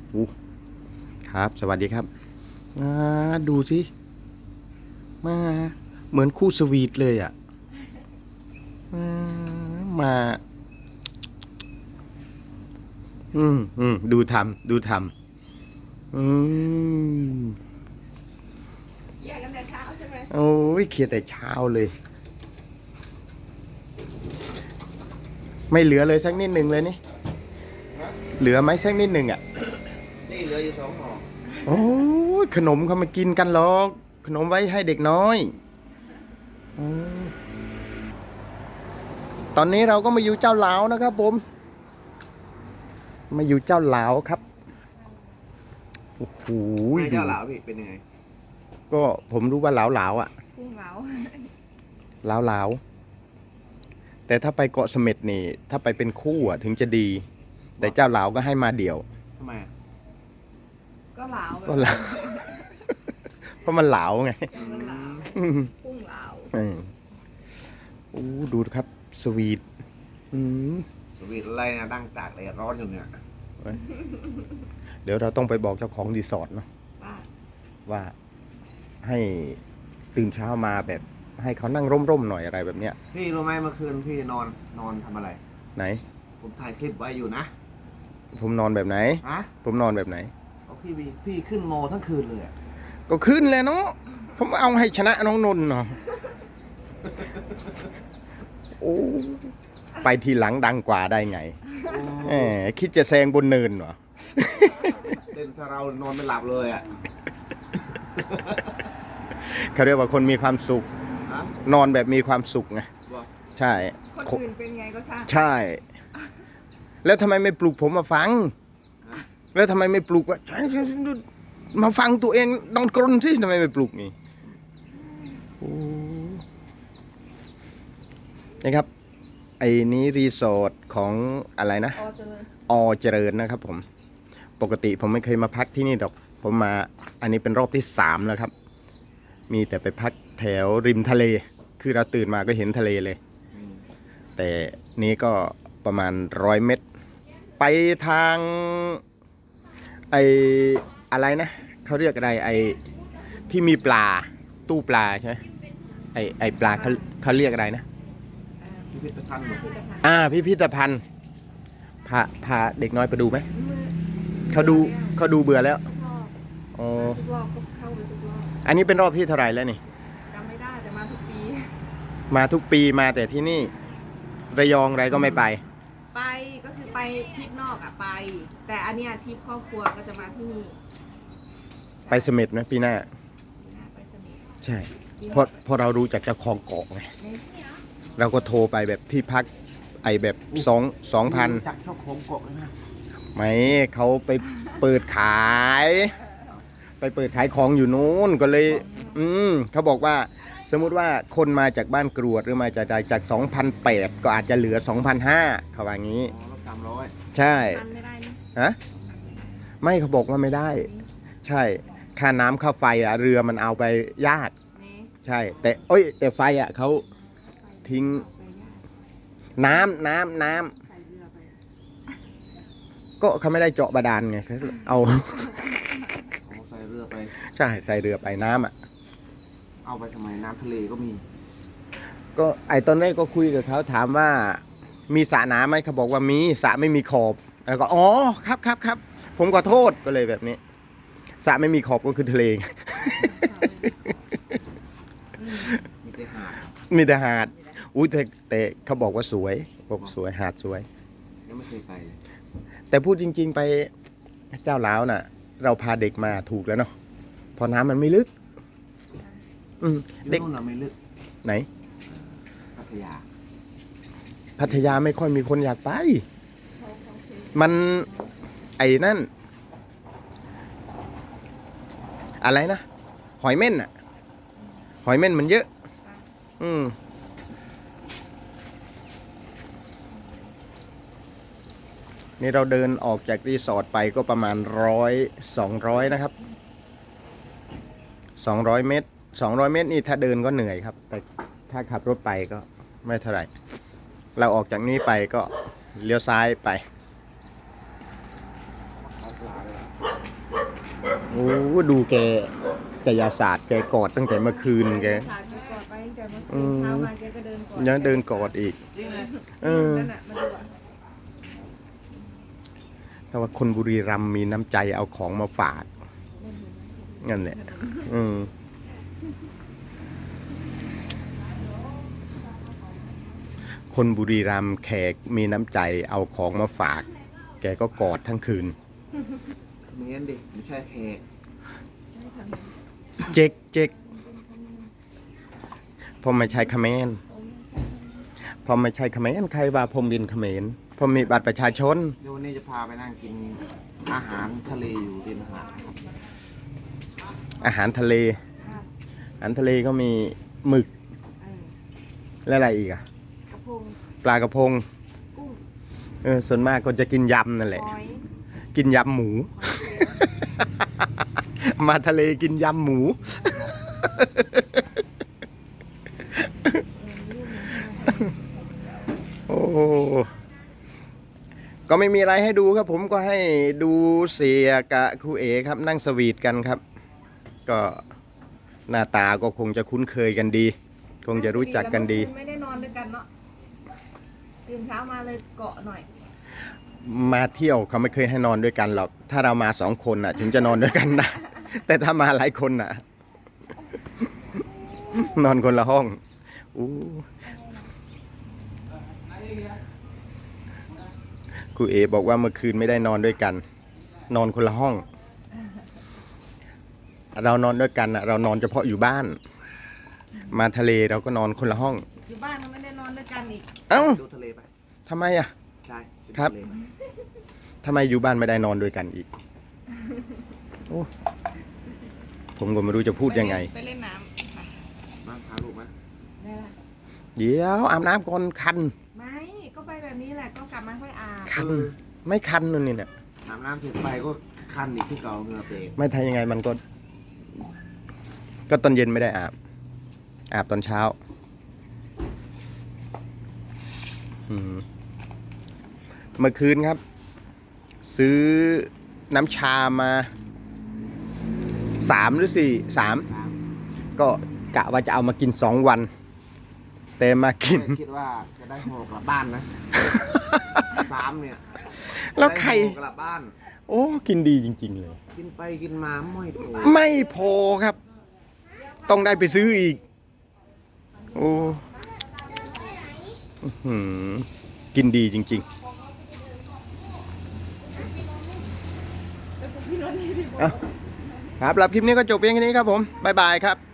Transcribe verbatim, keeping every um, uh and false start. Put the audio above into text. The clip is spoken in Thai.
อู้ครับสวัสดีครับมาดูสิมาเหมือนคู่สวีทเลยอ่ะมามาอืมอืมดูทำดูทำอืมแยกกันแต่เช้าใช่ไหมโอ้ยเคลียร์แต่เช้าเลยไม่เหลือเลยสักนิดหนึ่งเลยนี่เหลือไหมสักนิดหนึ่งอ่ะนี่เหลืออยู่สองห่อโอ้ยขนมเขามากินกันหรอกขนมไว้ให้เด็กน้อยอตอนนี้เราก็มาอยู่เจ้าหลาวนะครับผมมาอยู่เจ้าหลาวครับโอ้โหไอ้เจ้าหลาวพี่เป็นยังไงก็ผมรู้ว่าหลาวหลาวอ่ะกุ้งเหลาหลาวหลาวแต่ถ้าไปเกาะเสม็ดนี่ถ้าไปเป็นคู่อ่ะถึงจะดี แต่เจ้าหลาวก็ให้มาเดี่ยวทำไมอ่ะก็เหลาแบบก็หลาว เพราะมันหลาวไงก็เหลาอืมกุ้งเหลาเออโอ้ดูครับสวีทอืมสวีทอะไรนะดั้งตากแดดร้อนอยู่เนี่ยเดี๋ยวเราต้องไปบอกเจ้าของรีสอร์ทเนาะว่าว่าให้ตื่นเช้ามาแบบให้เขานั่งร่มๆหน่อยอะไรแบบเนี้ยพี่รู้ไหมเมื่อคืนพี่นอนนอนทำอะไรไหนผมถ่ายคลิปไว้อยู่นะผมนอนแบบไหนฮะผมนอนแบบไหนเอาพี่พี่พี่ขึ้นโมทั้งคืนเลยอ่ะก็ขึ้นเลยเนาะผมเอาให้ชนะน้องนนท์เนาะโอ้ไปทีหลังดังกว่าได้ไงแหมคิดจะแซงบนเนินเหรอเล่นซะเรานอนไม่หลับเลยอ่ะเขาเรียกว่าคนมีความสุขฮะนอนแบบมีความสุขไงบอกใช่คนอื่นเป็นไงก็ช่างใช่ แล้วทำไมไม่ปลุกผมมาฟัง แล้วทำไมไม่ปลุกว่ามาฟังตัวเองนอนกรนสิทำไมไม่ปลุกนี่โอ้นี่ครับ ไอ้นี้รีสอร์ทของอะไรนะอ๋อเจริญอเจริญนะครับผม ปกติผมไม่เคยมาพักที่นี่ดอก ผมมาอันนี้เป็นรอบที่สามแล้วครับ มีแต่ไปพักแถวริมทะเล คือเราตื่นมาก็เห็นทะเลเลยอืมแต่นี้ก็ประมาณร้อยเมตร ไปทางไออะไรนะเขาเรียกอะไรไอที่มีปลาตู้ปลาใช่ไหมไอไอปลาเขาเขาเรียกอะไรนะพิพิธภัณฑ์เหรอพิพิธภัณฑ์อ่าพิพิธภัณฑ์พาพาเด็กน้อยไปดูไหมเขาดูเขาดูเบื่อแล้วทุกรอบอ๋อทุกรอบก็เข้าไปทุกรอบอันนี้เป็นรอบที่เท่าไหร่แล้วนี่จำไม่ได้แต่มาทุกปีมาทุกปีมาแต่ที่นี่ ระยองอะไรก็ไม่ไปไปก็คือไปทริปนอกอะไป แต่อันเนี้ยทริปครอบครัวก็จะมาที่นี่ไปเสม็ดนะปีหน้าไปสนิทใช่เพราะเพราะเรารู้จากเจ้าของเกาะไงเราก็โทรไปแบบที่พักไอแบบสองสองพันจักเจ้าของเกาะเลยนะไม่เขาไปเปิดขาย ไปเปิดขายของอยู่นู้นก็เลย อืมเขาบอกว่า สมมุติว่าคนมาจากบ้านกรวดหรือมาจากใดจาก สองพันแปดร้อย ก็อาจจะเหลือ สองพันห้าร้อย เขาว่างี้อ๋อลดสามร้อยใช่ทันไม่ได้นี่ฮะไม่เขาบอกว่าไม่ได้ ใช่ ค่าน้ำค่าไฟอะเรือมันเอาไปยากนี่ใช่ แต่เอ้ย แต่ไฟอะเขาทิ้งไปยากน้ำน้ำน้ำใส่เรือไปก็เขาไม่ได้เจาะบาดาลไงเขาเอาเอาใส่เรือไปใช่ใส่เรือไปน้ำอ่ะเอาไปทำไมน้ำทะเลก็มีก็ไอตอนแรกก็คุยกับเขาถามว่ามีสระน้ำไหมเขาบอกว่ามีสระไม่มีขอบแล้วก็อ๋อครับครับครับผมขอโทษก็เลยแบบนี้สระไม่มีขอบก็คือทะเลมีแต่หาดมีแต่หาดอุ้ยแต่แต่เขาบอกว่าสวยบอกสวยหาดสวยยังไม่เคยไปเลยแต่พูดจริง ๆ ไปเจ้าล้าวน่ะ เราพาเด็กมาถูกแล้วเนาะเพอน้ำมันไม่ลึก อืมอยู่เด็กนู่นน่ะไม่ลึกไหนพัทยาพัทยาไม่ค่อยมีคนอยากไปเขาเขาเคยมันไอ้นั่น อะไรนะ หอยเม่นอะหอยเม่นมันเยอะ อืมนี่เราเดินออกจากรีสอร์ทไปก็ประมาณร้อยสองร้อยนะครับสองร้อยเมตรสองร้อยเมตรนี่ถ้าเดินก็เหนื่อยครับ แต่ถ้าขับรถไปก็ไม่เท่าไหร่ เราออกจากนี้ไปก็เลี้ยวซ้ายไปเอาปลาเลยโอ้ดูแกกายศาสตร์แกกอดตั้งแต่เมื่อคืนแกสาดแกกอดไปตั้งแต่เมื่อคืนเช้ามาแกก็เดินกอดยังเดินกอดอีกจริงเลยเออนั่นน่ะมาดูอ่ะแต่ว่าคนบุรีรัมย์มีน้ำใจเอาของมาฝากนั่นแหละอืมคนบุรีรัมย์แขกมีน้ำใจเอาของมาฝาก แกก็กอดทั้งคืนเมียนดิไม่ใช่แขกเจ๊กเจ๊กผมไม่ใช่เขมรผมไม่ใช่เขมรใครว่าผมบินเขมรผมมีบัตรประชาชนเดี๋ยววันนี้จะพาไปนั่งกินอาหารทะเลอยู่ริมหาดนะครับอาหารทะเลครับอาหารทะเลก็มีหมึกเออและอะไรอีกอะกระพงปลากระพงกุ้งเออส่วนมากก็จะกินยำนั่นแหละหอยกินยำหมูหอยเชลล์มาทะเลกินยำหมู โอ้ก็ไม่มีอะไรให้ดูครับ ผมก็ให้ดูเสียกับครูเอครับ นั่งสวีทกันครับ ก็หน้าตาก็คงจะคุ้นเคยกันดี คงจะรู้จักกันดีไม่ได้นอนด้วยกันเนาะตื่นเช้ามาเลยเกาะหน่อยมาเที่ยวเขาไม่เคยให้นอนด้วยกันหรอก ถ้าเรามาสองคนน่ะ ถึงจะนอนด้วยกันนะ แต่ถ้ามาหลายคนน่ะ นอนคนละห้องอู้ครูเอบอกว่าเมื่อคืนไม่ได้นอนด้วยกัน นอนคนละห้อง เรานอนด้วยกันน่ะ เรานอนเฉพาะอยู่บ้าน มาทะเลเราก็นอนคนละห้องอยู่บ้านก็ไม่ได้นอนด้วยกันอีกเอ้าดูทะเลไปทำไมอ่ะใช่ครับทะเลไปทำไมอยู่บ้านไม่ได้นอนด้วยกันอีกโอ้ผมก็ไม่รู้จะพูดยังไงไปเล่นน้ำค่ะมาพาลูกมาได้ละเดี๋ยวอาบน้ำก่อนคันไม่ก็ไปแบบนี้แหละก็กลับมาค่อยอาบคัน ไม่คันนู่นนี่เนี่ยอาบน้ำเสร็จไปก็คันอีกที่เก่าเหงื่อเปรกไม่ทายยังไงมันก็ ก็ตอนเย็นไม่ได้อาบ อาบตอนเช้า อืมเมื่อคืนครับ ซื้อน้ำชามาสามหรือสี่สามครับก็กะว่าจะเอามากินสองวัน แต่มากินคิดว่าจะได้ห่อกลับบ้านนะ สามเนี่ยแล้วใครได้ห่อกลับบ้านโอ้กินดีจริง ๆ เลยกินไปกินมาไม่โผล่ไม่พอครับ ต้องได้ไปซื้ออีก โอ้อื้อหือกินดีจริงๆเอาครับรับคลิปนี้ก็จบเพียงแค่นี้ครับผม บ๊ายบายครับ